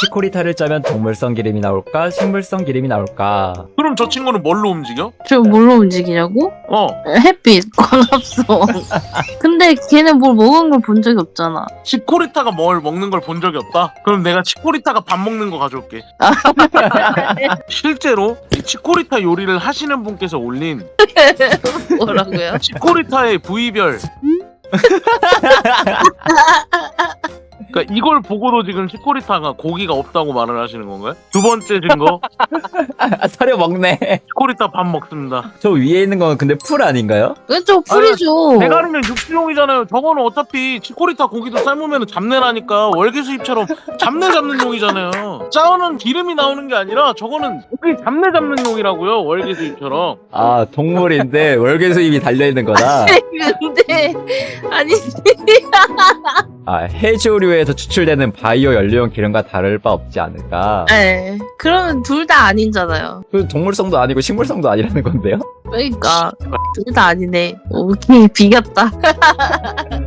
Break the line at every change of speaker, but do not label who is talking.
치코리타를 짜면 동물성 기름이 나올까 식물성 기름이 나올까?
그럼 저 친구는 뭘로 움직여?
저 뭘로 움직이냐고?
어,
햇빛, 광합성. 근데 걔는 뭘 먹은 걸 본 적이 없잖아.
치코리타가 뭘 먹는 걸 본 적이 없다? 그럼 내가 치코리타가 밥 먹는 거 가져올게. 실제로 이 치코리타 요리를 하시는 분께서 올린
뭐라고요?
치코리타의 부위별. 그러니까 이걸 보고도 지금 치코리타가 고기가 없다고 말을 하시는 건가요? 두 번째 증거,
사료 먹네.
치코리타 밥 먹습니다.
저 위에 있는 건 근데 풀 아닌가요?
왼쪽 풀이죠.
대가리는 육수용이잖아요. 저거는 어차피 치코리타 고기도 삶으면 잡내라니까 월계수잎처럼 잡내 잡는 용이잖아요. 짜오는 기름이 나오는 게 아니라 저거는 고기 잡내 잡는 용이라고요. 월계수잎처럼.
아 동물인데 월계수잎이 달려있는 거다.
근데 아니
아 해조류에서 추출되는 바이오 연료용 기름과 다를 바 없지 않을까.
네. 그러면 둘 다 아니잖아요.
그 동물성도 아니고 식물성도 아니라는 건데요?
그러니까 둘 다 아니네. 오케이 비겼다.